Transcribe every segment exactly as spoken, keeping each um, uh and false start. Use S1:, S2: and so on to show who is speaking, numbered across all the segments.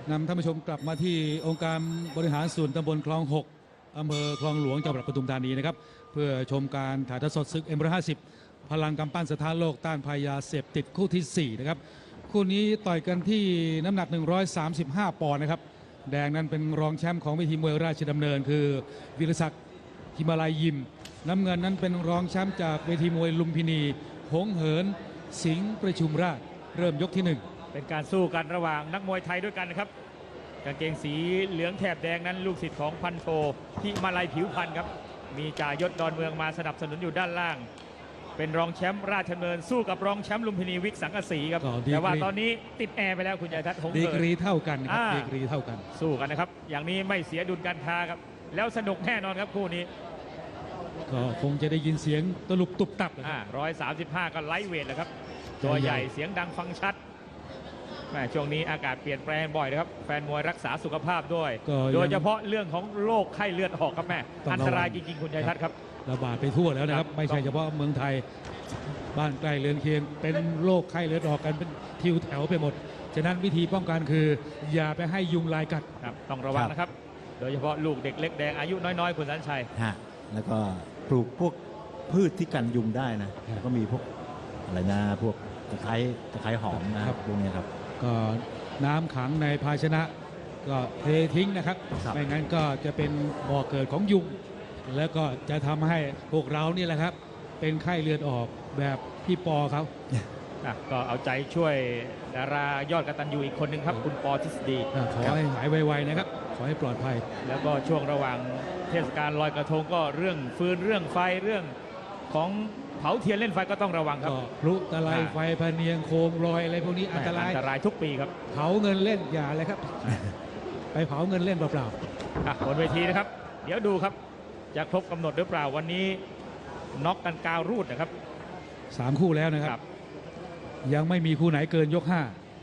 S1: นำท่านผู้ชมกลับมาที่องค์การบริหารส่วนตำบลคลองหกอำเภอคลองหลวงจังหวัดปทุมธานีนะครับเพื่อชมการถ่ายทอดสดศึก เอ็ม หนึ่งร้อยห้าสิบ พลังกำปั้นสถานโลกต้านภัยยาเสพติดคู่ที่สี่นะครับคู่นี้ต่อยกันที่น้ำหนักหนึ่งร้อยสามสิบห้าปอนด์นะครับแดงนั้นเป็นรองแชมป์ของเวทีมวยราชดำเนินคือวิรศักดิ์หิมาลัยยิมน้ำเงินนั้นเป็นรองแชมป์จากเวทีมวยลุมพินีหงเหินสิงห์ประชุมราชเริ่มยกที่หนึ่ง
S2: เป็นการสู้กันระหว่างนักมวยไทยด้วยกันนะครับกางเกงสีเหลืองแถบแดงนั้นลูกศิษย์ของพันโทหิมาลัยผิวพันธ์ครับมีจ่ายศดอนเมืองมาสนับสนุนอยู่ด้านล่างเป็นรองแชมป์ราชดำเนินสู้กับรองแชมป์ลุมพินีวิกสังกะสีครับแต่ว่าตอนนี้ติดแอร์ไปแล้วคุณยายทัศน์หงเหิน
S1: ดีกรีเท่ากันครับดีกรีเท่ากัน
S2: สู้กันนะครับอย่างนี้ไม่เสียดุลการค้าครับแล้วสนุกแน่นอนครับคู่นี้
S1: ก็คงจะได้ยินเสียงตลุบตุบตับ
S2: ร้อยสามสิบห้าก็ไลท์เวทแหละครับตัวใหญ่เสียงดังฟังชัดแม่ช่วงนี้อากาศเปลี่ยนแปลงบ่อยนะครับแฟนมวยรักษาสุขภาพด้วยโดยเฉพาะเรื่องของโรคไข้เลือดออกครับแม่อันตรายจริงๆคุณชัยทัศน์ครับ
S1: ระบาดไปทั่วแล้วนะครับไม่ใช่เฉพาะเมืองไทยบ้านใกล้เรือนเคียงเป็นโรคไข้เลือดออกกันเป็นทิวแถวไปหมดฉะนั้นวิธีป้องกันคืออย่าไปให้ยุงลายกัด
S2: ต้องระวังนะครับโดยเฉพาะลูกเด็กเล็กแดงอายุน้อยๆคุณสันชัย
S3: ฮะแล้วก็ปลูกพวกพืชที่กันยุงได้นะก็มีพวกอะไรนะพวกตะไคร้ตะไคร้หอมนะครับพวกนี้ครับ
S1: ก็น้ำขังในภาชนะก็เททิ้งนะครับไม่งั้นก็จะเป็นบ่อเกิดของยุงแล้วก็จะทำให้พวกเรานี่แหละครับเป็นไข้เลือดออกแบบพี่ปอเขา
S2: ก็เอาใจช่วยดารายอดกตัญญูอีกคนหนึ่งครับคุณปอทฤษฎี
S1: ขอให้หายไวๆนะครับขอให้ปลอดภัย
S2: แล้วก็ช่วงระหว่างเทศกาลลอยกระทงก็เรื่องฟืนเรื่องไฟเรื่องของเผาเทียนเล่นไฟก็ต้องระวังครับ
S1: พลุตะไลไฟพเนียงโคมลอยอะไรพวกนี้อันตราย
S2: อันตรายทุกปีครับ
S1: เผาเงินเล่นอย่าเลยครับไปเผาเงินเล่นเปล่า
S2: ๆบนเวทีนะครับเดี๋ยวดูครับจะครบกำหนดหรือเปล่าวันนี้น็อกกันกาวรูดนะครับ
S1: สามคู่แล้วนะครับยังไม่มีคู่ไหนเกินยกห้า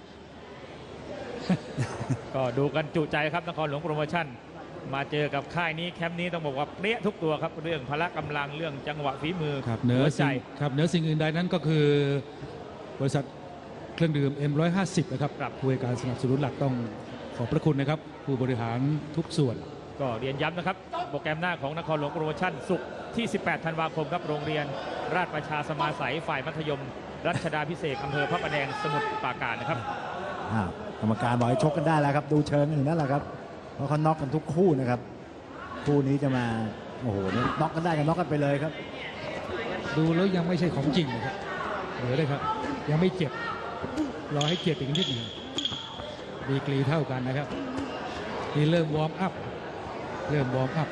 S2: ก็ดูกันจุใจครับนครหลวงโปรโมชั่นมาเจอกับค่ายนี้แคมป์นี้ต้องบอกว่าเปรี้ยทุกตัวครับเรื่องพละกำลังเรื่องจังหวะฝีมือ
S1: ครับเหนือใจครับเหนือสิ่งอื่นใดนั้นก็คือบริษัทเครื่องดื่ม เอ็ม หนึ่งร้อยห้าสิบ นะครับผู้ให้การสนับสนุนหลักต้องขอบพระคุณนะครับผู้บริหารทุกส่วน
S2: ก็เรียนย้ำนะครับโปรแกรมหน้าของนครหลวงโปรโมชั่นศุกร์ที่สิบแปดธันวาคมครับโรงเรียนราชประชาสมาสัยฝ่ายมัธยมรัชดาพิเศษอำเภอพระประแดงสมุทรปราการนะครับ
S3: กรรมการบอกให้ชกกันได้แล้วครับดูเชิงอย่างนั้นแหละครับเพราะเขาน็อกกันทุกคู่นะครับคู่นี้จะมาโอ้โหน็อกกันได้กันน็อกกันไปเลยครับ
S1: ดูแล้วยังไม่ใช่ของจริงนะครับเหลือเลยครับยังไม่เจ็บรอให้เจ็บอีกนิดหนึ่งดีกรีเท่ากันนะครับนี่เริ่มวอร์มอัพเริ่มวอร์มอัพ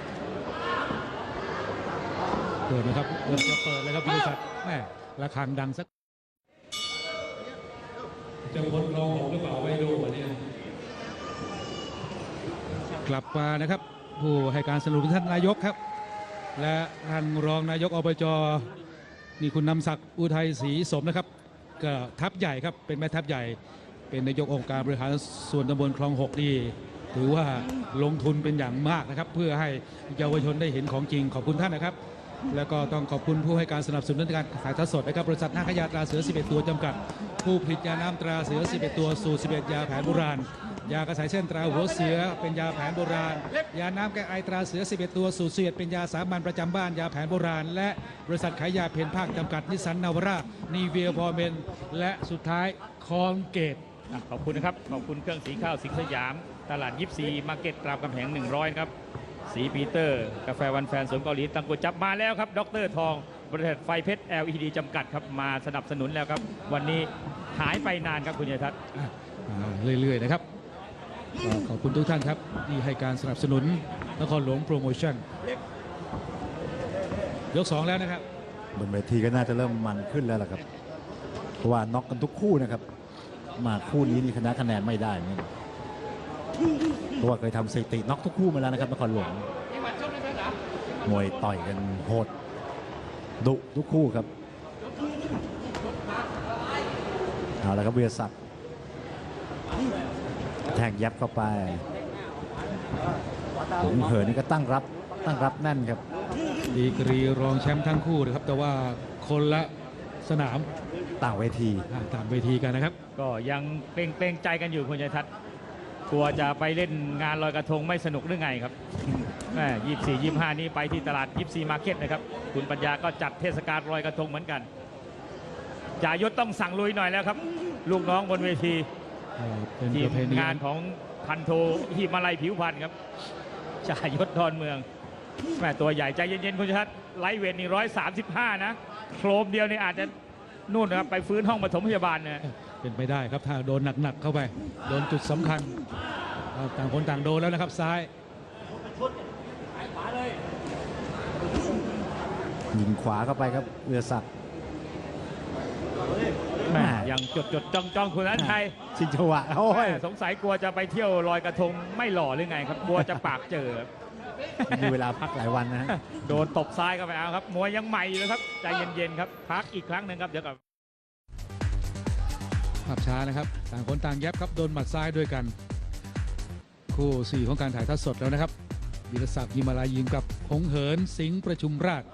S1: เปิดนะครับเริ่มจะเปิดแล้วครับบริษัทแม่ระฆังดังสักจะวนรองหกหรือเปล่าไม่รู้วันนี้กลับมานะครับผู้ให้การสนับสนุนท่านนายกครับและท่านรองนายกอบจ.นี่คุณนำศักดิ์อุทัยศรีสมนะครับก็ทัพใหญ่ครับเป็นแม่ทัพใหญ่เป็นนายกองค์การบริหารส่วนตำบลคลองหกนี่ถือว่าลงทุนเป็นอย่างมากนะครับเพื่อให้เยาวชนได้เห็นของจริงขอบคุณท่านนะครับแล้วก็ต้องขอบคุณผู้ให้การสนับสนุนในการถ่ายทอดสดนะครับบริษัทนาคยาตราเสือสิบเอ็ดตัวจำกัดผู้ผลิตยาน้ำตราเสือสิบเอ็ดตัวสูตรสิบเอ็ดยาแผนโบราณยากระสายเส้นตราหัวเสือเป็นยาแผนโบราณยาน้ำแก้ไอตราเสือสิบเอ็ดตัวสูตรสิบเอ็ดเป็นยาสามัญประจำบ้านยาแผนโบราณและบริษัทขายยาเพนภาคจำกัดนิสสันนาวาร่านีเวียพอเมนและสุดท้ายคอนเกต
S2: ขอบคุณนะครับขอบคุณเครื่องสีข้าวสิงห์สยามตลาดยิปซีมาร์เก็ตรามคำแหงหนึ่งร้อยครับสีปีเตอร์กาแฟวันแฟนสวนเกาหลีตังกุจับมาแล้วครับดรทองบริษัทไฟเพชร แอล อี ดี จำกัดครับมาสนับสนุนแล้วครับวันนี้หายไปนานครับคุณชัยทัศน์
S1: เรื่อยๆนะครับขอบคุณทุกท่านครับที่ให้การสนับสนุนนครหลวงโปรโมชั่นยกสองแล้วนะครับ
S3: บนเวทีก็น่าจะเริ่มมันขึ้นแล้วล่ะครับเพราะว่าน็อกกันทุกคู่นะครับมาคู่นี้นี่ชนะคะแนนไม่ได้เนี่ยเพราะว่าเคยทำสถิติน็อกทุกคู่มาแล้วนะครับนครหลวงมวยต่อยกันโหดดุทุกคู่ครับเอาละครับเวียศักดิ์แทงยับเข้าไปหงเหินนี่ก็ตั้งรับตั้งรับแน่นครับ
S1: ดีกรีรองแชมป์ทั้งคู่นะครับแต่ว่าคนละสนาม
S3: ต่างเวที
S1: ต่างเวทีกันนะครับ
S2: ก็ยังเกรงเกรงใจกันอยู่คุณชัยทัศน์กลัวจะไปเล่นงานลอยกระทงไม่สนุกหรือไงครับแม่ยี่สี่ยี่ห้านี้ไปที่ตลาดยี่สี่มาร์เก็ตนะครับคุณปัญญาก็จัดเทศกาลลอยกระทงเหมือนกันจ่ายศต้องสั่งลุยหน่อยแล้วครับ ลูกน้องบนเวที
S1: เอ่อเป็น
S2: ที
S1: ป
S2: ม
S1: ระเพณี
S2: งานของพันโทหิมาลัยผิวพันธ์ครับจ่ายศดอนเมืองแม่ตัวใหญ่ใจเย็นๆคุณชัดไลท์เวทนี่ร้อยสามสิบห้านะโครมเดียวนี่อาจจะนู่นนะครับไปฟื้นห้องปฐมพยาบาลนะ
S1: เป็นไปได้ครับถ้าโดนหนักๆเข้าไป โดนจุดสำคัญเอาต่างคนต่างโดนแล้วนะครับซ้าย
S3: ยิงขวาเข้าไปครับวิรศักดิ์
S2: แม่ยังจดจดจ้องจ้องคุณนันชัย
S3: ชิงจังหวะโอ้ย
S2: แม่สงสัยกลัวจะไปเที่ยวลอยกระทงไม่หล่อหรือไงครับกลัวจะปากเจอครับ
S3: มีเวลาพักหลายวันนะฮะ
S2: โดนตบซ้ายเข้าไปเอาครับมวยยังใหม่อยู่เลยครับใจเย็นๆครับพักอีกครั้งหนึ่งครับเดี๋ยวกับ
S1: ภาพช้านะครับ ต่างคนต่างแยบครับ โดนหมัดซ้ายด้วยกัน คู่สี่ของการถ่ายทอดสดแล้วนะครับวิรศักดิ์ยิมมาลายิงกับหงเหินสิงห์ประชุมราช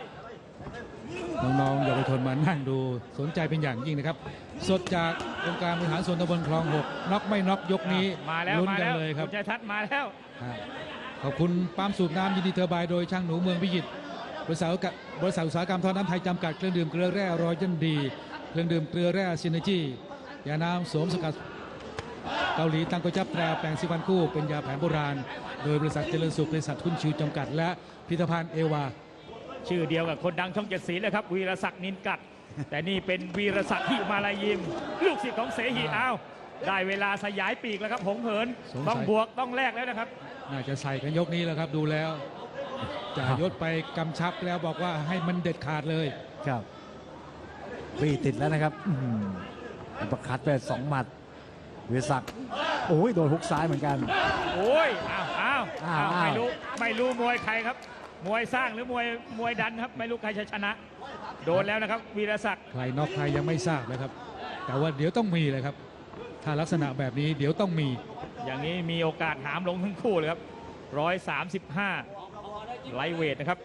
S1: น้องๆเยาวชนมานั่งดูสนใจเป็นอย่างยิ่งนะครับ สดจากองค์การบริหารส่วนตำบลคลองหกน็อกไม่น็อกยกนี้
S2: มาแล้ว
S1: ลุ้น
S2: มา
S1: กัน
S2: แล้ว
S1: เลยครับ
S2: คุณชัยทัศน์มาแล้ว
S1: อ่าขอบคุณปั๊มสูบน้ำยินดีเทอร์บายโดยช่างหนูเมืองพิจิตรบริษัทอุตสาหกรรมบริษัทอุตสาหกรรมท่อน้ำไทยจำกัดเครื่องดื่มเกลือแร่รอยยันดี เครื่องดื่มเกลือแร่ซินเนจียาน้ำสวมสกัดเกาหลีตังโกจับแตราแปลงสิวันคู่เป็นยาแผนโบราณ โดยบริษัทเจริญสุขบริษัททุนชิวจำกัด และพิพิธภัณฑ์เอวา
S2: ชื่อเดียวกับคนดังช่องเจ็ดสีเลยครับวีรศักดิ์นินกัด แต่นี่เป็นวีรศักดิ์หิมาลายิม ลูกศิษย์ของเสหีอ้าวได้เวลาสยายปีกแล้วครับหงเหิน
S1: สงสัย
S2: ต้องบวกต้องแลกแล้วนะครับ
S1: น่าจะใส่กันยกนี้แล้วครับดูแล้วจ่ายศไปกำชับแล้วบอกว่าให้มันเด็ดขาดเลย
S3: ครับบีติดแล้วนะครับอื้อหือประคัดไปสองหมัดวิรศักดิ์โอ้ยโดนฮุกซ้ายเหมือนกัน
S2: โอ้ยอ้าวอ้าว
S3: อ้าว
S2: อ้าว
S3: อ้าว
S2: ไม่รู้ไม่รู้มวยใครครับ มวยสร้างหรือมวยมวยดันครับไม่รู้ใครจะชนะ โดนแล้วนะครับวีรศักดิ์
S1: ใครน็อกใครยังไม่ทราบนะครับ แต่ว่าเดี๋ยวต้องมีเลยครับ ถ้าลักษณะแบบนี้เดี๋ยวต้องมี
S2: อย่างนี้มีโอกาสหามลงทั้งคู่เลยครับร้อยสามสิบห้าไลท์เวทนะครับ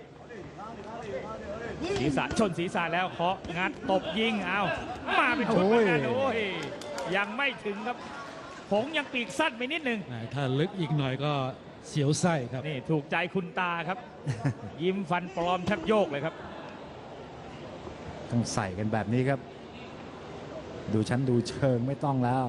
S2: ศีรษะชนศีรษะแล้วเคาะงัดตบยิงเอามาเป็นชุดเหมือนกัน
S3: โอ้ย
S2: โอ้ยยังไม่ถึงครับผงยังปีกสั้นไปนิดหนึ่ง
S1: ถ้าลึกอีกหน่อยก็เสียวไส้ครับ
S2: นี่ถูกใจคุณตาครับ ยิ้มฟันปลอมแทบโยกเลยครับ
S3: ต้องใส่กันแบบนี้ครับ ดูชั้นดูเชิงไม่ต้องแล้ว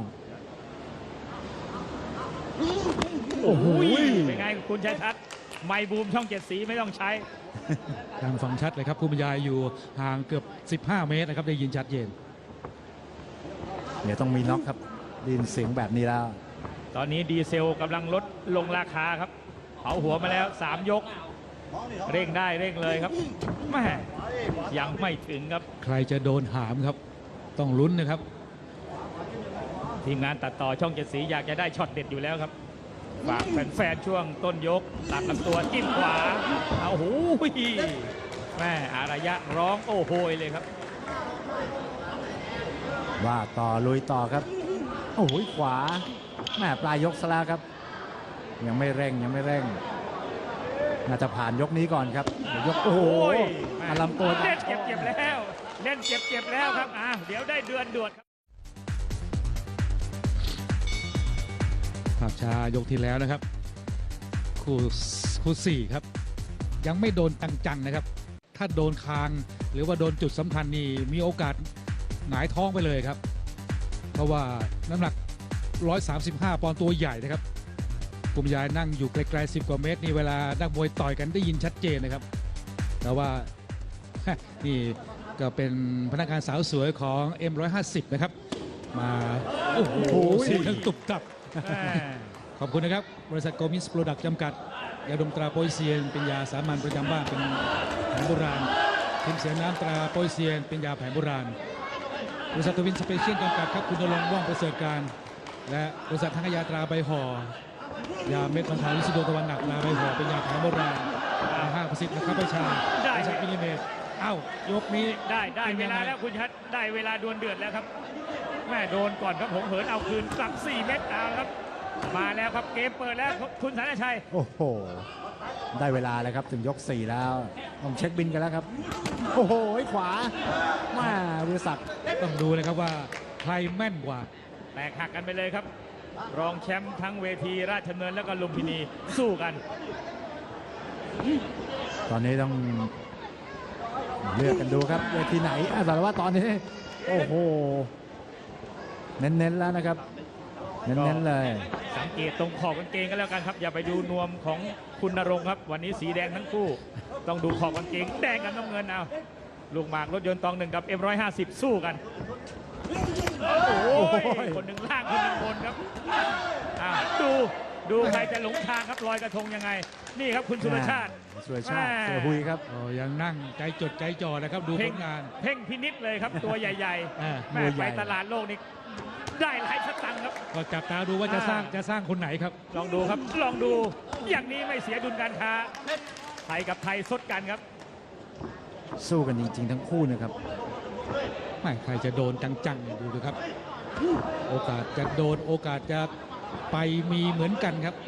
S3: โอ้โห
S2: เป็นไงคุณชัยทัศน์ไมค์บูมช่องเจ็ดสีไม่ต้องใช้
S1: ทางฟังชัดเลยครับผู้บรรยายอยู่ห่างเกือบ สิบห้า เมตรนะครับได้ยินชัดเจน
S3: เดี๋ยวต้องมีน็อกครับไดยินเสียงแบบนี้แล้ว
S2: ตอนนี้ดีเซลกำลังลดลงราคาครับเผาหัวมาแล้วสามยก เร่งได้เร่งเลยครับแม่ยังไม่ถึงครับ
S1: ใครจะโดนหามครับ ต้องลุ้นนะครับ
S2: ทีมงานตัดต่อช่องเจ็ดสีอยากจะได้ช็อตเด็ดอยู่แล้วครับฝากแฟนๆช่วงต้นยกตัดลำตัวจิ้มขวาเอาหูยแม่อารยะร้องโอ้โหยเลยครับ
S3: ว่าต่อลุยต่อครับ โอ้โหขวาแม่ปลายยกซะแล้วครับ ยังไม่เร่งยังไม่เร่ง น่าจะผ่านยกนี้ก่อนครับเดี๋ยวยกโอ้โห
S2: โอ้ย
S3: อาลำตัว
S2: เล่นเจ็บๆแล้ว เล่นเจ็บๆแล้วครับอ่ะเดี๋ยวได้เดือนด่วนครับ
S1: ภาพช้ายกที่แล้วนะครับ คู่คู่สี่ครับ ยังไม่โดนจังๆนะครับ ถ้าโดนคางหรือว่าโดนจุดสำคัญนี่มีโอกาสหงายท้องไปเลยครับ เพราะว่าน้ำหนัก หนึ่งร้อยสามสิบห้า ปอนด์ตัวใหญ่นะครับปุ่มยายนั่งอยู่ไกลๆสิบกว่าเมตรนี่เวลานักมวยต่อยกันได้ยินชัดเจนนะครับ แต่ว่า นี่ก็เป็นพนักงานสาวสวยของ เอ็ม หนึ่งร้อยห้าสิบ นะครับ มาโอ้โหเสียงตุบตับ ขอบคุณนะครับ บริษัทโกมิสโปรดักต์จำกัด ยาดมตราโปยเซียน เป็นยาสามัญประจำบ้านเป็นแผนโบราณทีมเสียน้ำตราโปยเซียน เป็นยาแผนโบราณ บริษัททวินสเปเชียลจำกัดครับคุณนรงค์ว่องประเสริฐการ และบริษัททั้งยาตราใบห่อยาเม็ดบรรเทาลิซิโดตะวันหนักตราใบห่อเป็นยาแผนโบราณห้าประสิทธิ์นะครับประชา
S2: ได้
S1: บริษัทมิลลิเมตรเอ้ายกนี้
S2: ได้ได้
S1: ป็น
S2: เว
S1: ยัง
S2: ลา
S1: ไง
S2: แล้วคุณชัดได้เวลาดวลเดือดแล้วครับแม่โดนก่อนครับหงเหินเอาคืนกลับสี่เม็ดเอาครับ มาแล้วครับเกมเปิดแล้วคุณสันชัย
S3: โอ้โห ได้เวลาแล้วครับถึงยกสี่แล้วต้องเช็คบินกันแล้วครับ โอ้โหขวามาวิรศักดิ์
S1: ต้องดูนะครับว่าใครแม่นกว่า
S2: แตกหักกันไปเลยครับรองแชมป์ทั้งเวทีราชดำเนินแล้วก็ลุมพินีสู้กัน
S3: ตอนนี้ต้องเลือกกันดูครับเวทีไหนอ่ะแต่ว่าตอนนี้โอ้โหเน้นๆแล้วนะครับเน้นๆเลย
S2: สังเกตตรงขอบกางเกงกันแล้วกันครับ อย่าไปดูนวมของคุณณรงค์ครับ วันนี้สีแดงทั้งคู่ ต้องดูขอบกางเกงแดงกับน้ำเงินเอาลูกหมากรถยนต์ตองหนึ่งกับ เอ็ม หนึ่งห้าศูนย์ สู้กัน โอ้โหคนหนึ่งล่างคนหนึ่งบนครับอ่ะดูดูใครจะหลงทางครับลอยกระทงยังไง นี่ครับคุณสุรชาติ
S3: สุรชาติเสือหุยครับ
S1: อ๋อยังนั่งใจจดใจจ่อนะครับดูผ
S2: เพ่ง
S1: ลงาน
S2: เพ่งพินิษเลยครับตัวใหญ่
S1: อ่า
S2: ๆแม่ไปตลาดโลกนี่ได้หลายสตังค์ครับ
S1: ก็จับตาดูว่าจะสร้าง
S2: อ่า
S1: จะสร้างคนไหนครับ
S2: ลองดูครับ ลองดูอย่างนี้ไม่เสียดุลการค้าไทยกับไทยซดกันครับ
S3: สู้กันจริงๆทั้งคู่นะครับ
S1: ไม่ใครจะโดนจังๆดูดูครับ โอกาสจะโดนโอกาสจะไปมีเหมือนกันครับ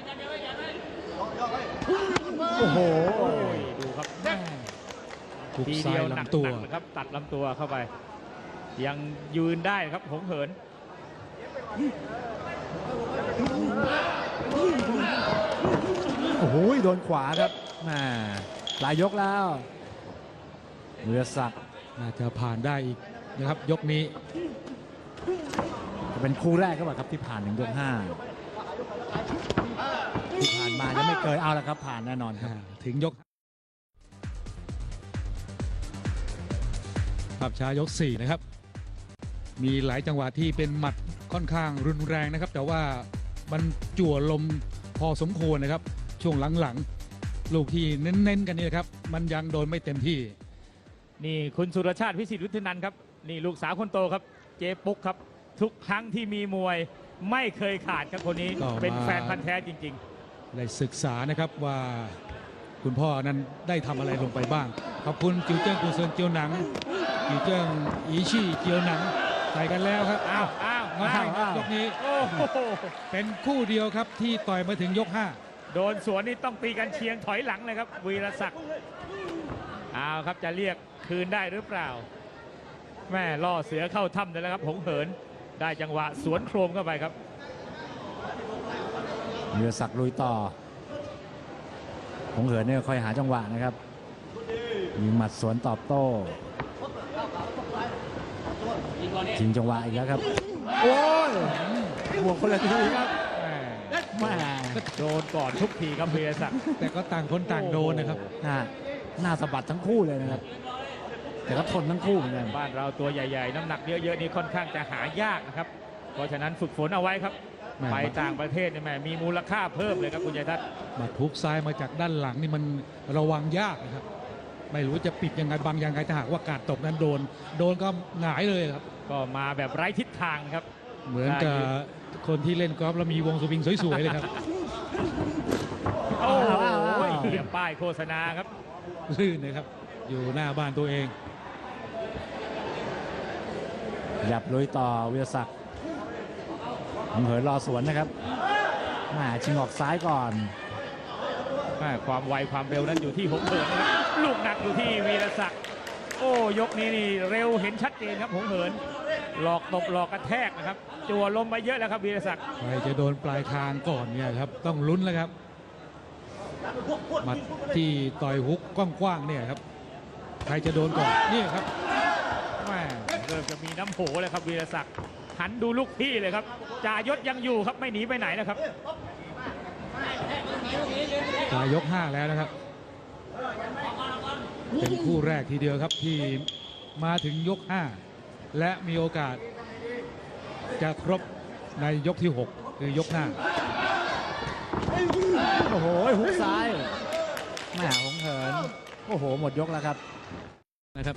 S3: โอ้โห
S2: โอ้ยดูครับ
S1: ถูก
S2: ที
S1: ซ้า
S2: เดี
S1: ย
S2: ยวหนัก
S1: ลำตัว
S2: ๆนะครับตัดลำตัวเข้าไป ยังยืนได้ครับหงเหิน
S3: โอ้โหโดนขวาครับแหม่หลายยกแล้วเรือศักดิ์
S1: น่าจะผ่านได้อีกนะครับยกนี้
S3: จะเป็นคู่แรกก็แบบครับที่ผ่านถึงยกห้าที่ผ่านมายังไม่เคยเอาแล้วครับผ่านแน่นอนครับ
S1: อ่าถึงยกภาพช้ายกสี่นะครับ มีหลายจังหวะที่เป็นหมัดค่อนข้างรุนแรงนะครับ แต่ว่ามันจั่วลมพอสมควรนะครับ ช่วงหลังๆ ลูกที่เน้นๆกันนี่นะครับ มันยังโดนไม่เต็มที่
S2: นี่คุณสุรชาติพิสิทธิ์วุฒินันท์ครับนี่ลูกสาวคนโตครับเจ๊ปุ๊กครับ ทุกครั้งที่มีมวยไม่เคยขาดครับคนนี้
S1: ก็มา
S2: เป็นแฟนพันธ์แท้จริง
S1: ได้ศึกษานะครับว่าคุณพ่อนั้นได้ทำอะไรลงไปบ้าง ขอบคุณจิวเจิ้งกุนเซินเจียวหนังจิวเจิ้งอีชี่เจียวหนังใส่กันแล้วครับ
S2: ๆ อ้าวอ้าว
S1: มา
S2: อ้าว
S1: ครับยกนี้
S2: โอ้โห
S1: เป็นคู่เดียวครับที่ต่อยมาถึงยกห้า
S2: โดนสวนนี่ต้องตีกันเชียงถอยหลังเลยครับวีรศักดิ์อ้าวครับจะเรียกคืนได้หรือเปล่า แม่ล่อเสือเข้าถ้ำเลยแล้วครับหงเหินได้จังหวะสวนโครมเข้าไปครับ
S3: เรือศักดิ์ลุยต่อหงเหินเนี่ยคอยหาจังหวะนะครับมีหมัดสวนตอบโต้ชิงจังหวะอีกแล้วครับโอ้ยบวกคนละทีครับ
S2: แม่
S3: แม่
S2: โดนก่อนทุกทีครับวีรศักดิ์
S1: แต่ก็ต่างคนต่างโดนนะครับ
S3: หน้าหน้าสะบัดทั้งคู่เลยนะครับ แต่ก็ทนทั้งคู่เหมือนกัน
S2: บ้านเราตัวใหญ่ๆ น้ำหนักเยอะๆนี่ค่อนข้างจะหายากนะครับ เพราะฉะนั้นฝึกฝนเอาไว้ครับ
S1: แม่
S2: ไปต่างประเทศเนี่ยแม่มีมูลค่าเพิ่มเลยครับคุณชัยทัศน์
S1: มาทุกซ้ายมาจากด้านหลังนี่มันระวังยากนะครับ ไม่รู้จะปิดยังไงบังยังไงถ้าหากว่ากาดตกนั้นโดน โดนก็หงายเลยครับ
S2: ก็มาแบบไร้ทิศทางครับ
S1: เหมือนกับคนที่เล่นกอล์ฟแล้วมีวงสวิงสวยๆเลยครับ
S2: โอ้โห
S3: อ้าวอ้าวอ้าว
S2: เหี่ยป้ายโฆษณาครับ
S1: ลื่นนะครับ อยู่หน้าบ้านตัวเอง
S3: หยับลุยต่อวิรศักดิ์หงเหินรอสวนนะครับแม่ชิงออกซ้ายก่อน
S2: แม่ความไวความเร็วนั้นอยู่ที่หงเหินนะครับลูกหนักอยู่ที่วีรศักดิ์โอ้ยกนี้นี่เร็วเห็นชัดเจนครับหงเหินหลอกตบหลอกกระแทกนะครับจั่วลมไปเยอะแล้วครับวีรศักดิ์
S1: ใครจะโดนปลายคางก่อนเนี่ยครับ ต้องลุ้นแล้วครับหมัดที่ต่อยฮุกกว้างๆเนี่ยครับ ใครจะโดนก่อนเนี่ยครับ
S2: แม่เริ่มจะมีน้ำโหเลยครับวีรศักดิ์หันดูลูกพี่เลยครับจ่ายศยังอยู่ครับไม่หนีไปไหนนะครับ
S1: ปลายยกห้าแล้วนะครับ เป็นคู่แรกทีเดียวครับที่มาถึงยกห้าและมีโอกาสจะครบในยกที่หกคือยกหน้า
S3: โอ้โหหุกซ้ายแม่หงเหินโอ้โหหมดยกแล้วครับ
S1: นะครับ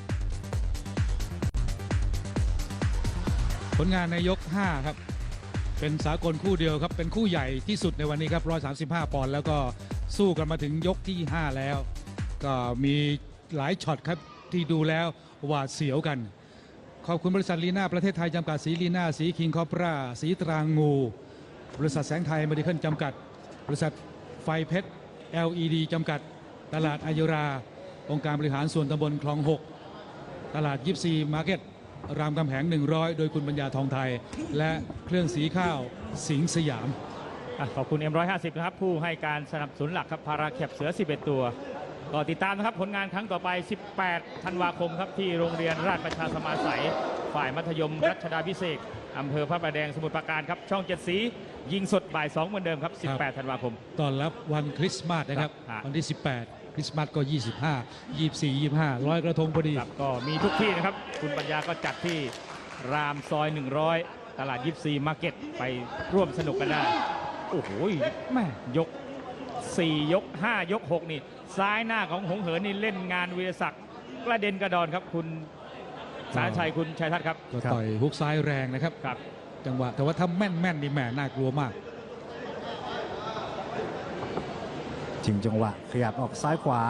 S1: ผลงานในยกห้าครับเป็นสากลคู่เดียวครับเป็นคู่ใหญ่ที่สุดในวันนี้ครับหนึ่งร้อยสามสิบห้าปอนด์แล้วก็สู้กันมาถึงยกที่ห้าแล้ว ก็มีหลายช็อตครับที่ดูแล้วหวาดเสียวกัน ขอบคุณบริษัทลีน่าประเทศไทยจำกัดสีลีน่าสีคิงคอปราสีตรางงู บริษัทแสงไทยเมดิเคิลจำกัด บริษัทไฟเพชร แอล อี ดี จำกัด ตลาดอายุรา องค์การบริหารส่วนตำบลคลองหกตลาดยิปซีมาร์เก็ตรามคำแหงหนึ่งร้อยโดยคุณปัญญาทองไทย และเครื่องสีข้าวสิงห์สยาม
S2: อ่ะขอบคุณ เอ็ม หนึ่งร้อยห้าสิบ นะครับ ผู้ให้การสนับสนุนหลักครับพาราแคปเสือ สิบเอ็ด ตัว ก็ติดตามนะครับผลงานครั้งต่อไป สิบแปด ธันวาคมครับที่โรงเรียนราชประชาสมาสัย ฝ่ายมัธยมรัชดาภิเษกอำเภอพระประแดงสมุทรปราการครับช่องเจ็ดสียิงสดบ่ายสองเหมือนเดิมครับ สิบแปด ธันวาคม
S1: ตอนรับวันคริสต์มาสนะครับ
S2: ครับ
S1: วันที่ สิบแปด คริสต์มาสก็ ยี่สิบห้า ยี่สิบสี่ ยี่สิบห้าร้อยกระทงพอดี
S2: ครับก็มีทุกที่นะครับ คุณปัญญาก็จัดที่รามซอย หนึ่งร้อย ตลาดยิปซีมาร์เก็ตไปร่วมสนุกกันได้ โอ้โหแม่ยก สี่ ยก ห้า ยก หก นี่ ซ้ายหน้าของหงเหินนี่เล่นงานวีรศักดิ์กระเด็นกระดอนครับ คุณสารชัยคุณชัยทัศน์ครับ
S1: ก็ต่อยฮุกซ้ายแรงนะครับ
S2: ครับ
S1: จังหวะแต่ว่าถ้าแม่นแม่นๆนี่แหม่น่ากลัวมาก
S3: จริงจังหวะขยับออกซ้ายขวา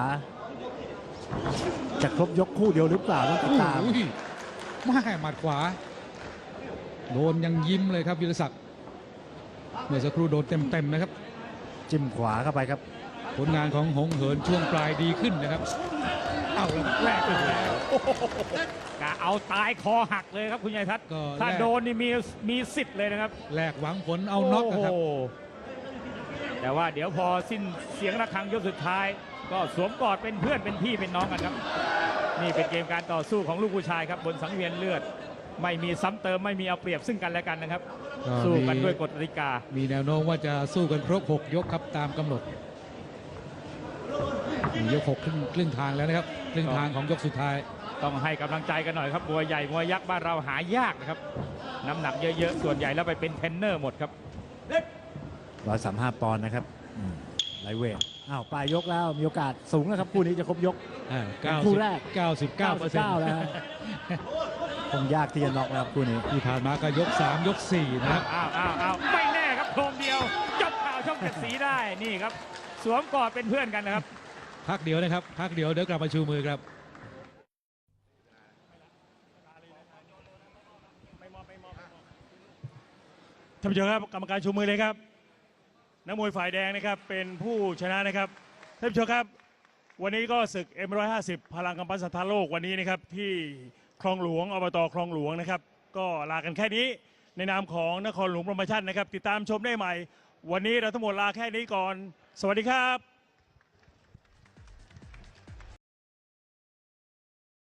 S3: จะครบยกคู่เดียวหรือเปล่าต้องติดตาม
S1: โอ้ยมาหมัดขวา โดนยังยิ้มเลยครับวิรศักดิ์เมื่อสักครู่โดนเต็มๆนะครับ
S3: จิ้มขวาเข้าไปครับ
S1: ผลงานของหงเหินช่วงปลายดีขึ้นนะครับ เอาแล้วแรกไปแล้ว
S2: กะเอาตายคอหักเลยครับคุณชัยทัศน์
S1: ก็
S2: ถ้า
S1: แลก
S2: โดนนี่มีมีสิทธิ์เลยนะครับ
S1: แลกหวังผลเอาน็อกนะครับ
S2: โโหแต่ว่าเดี๋ยวพอสิ้นเสียงระฆังยกสุดท้าย ก็สวมกอดเป็นเพื่อนเป็นพี่เป็นน้องกันครับ นี่เป็นเกมการต่อสู้ของลูกผู้ชายครับบนสังเวียนเลือด ไม่มีซ้ำเติมไม่มีเอาเปรียบซึ่งกันและกันนะครับ
S1: ก็
S2: สู้กัน
S1: มี
S2: ด้วยกฎกติกา
S1: มีแนวโน้มว่าจะสู้กันครบหกยกครับตามกำหนดมียกหกครึ่งครึ่งทางแล้วนะครับครึ่งทางของยกสุดท้าย
S2: ต้องให้กำลังใจกันหน่อยครับมวยใหญ่มวยยักษ์บ้านเราหายากนะครับน้ำหนักเยอะๆส่วนใหญ่แล้วไปเป็นเทรนเนอร์หมดครับ
S3: ร้อยสามห้าปอนด์นะครับอืมไลท์เวทอ้าวปลายยกแล้วมีโอกาสสูงแล้วครับคู่นี้จะครบยก
S1: อ่า
S3: คู่แรก
S1: เก้าสิบเก้าเปอร์เซ็นต์
S3: เก้าแล้วฮะ คงยากที่จะน็อกนะครับคู่นี้
S1: ที่ผ่านมาก็ยกสามยกสี่นะครับ
S2: อ้าวอ้าวอ้าวไม่แน่ครับโครมเดียวจบข่าวช่องเจ็ดสีได้นี่ครับสวมกอดเป็นเพื่อนกันนะครับ
S1: พักเดียวนะครับ พักเดียวเดี๋ยวกลับมาชูมือครับ
S4: ท่านผู้ชมครับกรรมการชูมือเลยครับนักมวยฝ่ายแดงนะครับเป็นผู้ชนะนะครับท่านผู้ชมครับวันนี้ก็ศึก เอ็ม หนึ่งร้อยห้าสิบ พลังกำปั้นสถานโลกวันนี้นะครับที่คลองหลวงอบตคลองหลวงนะครับก็ลากันแค่นี้ในนามของนครหลวงโปรโมชั่นนะครับติดตามชมได้ใหม่ วันนี้เราทั้งหมดลาแค่นี้ก่อน สวัสดีครับ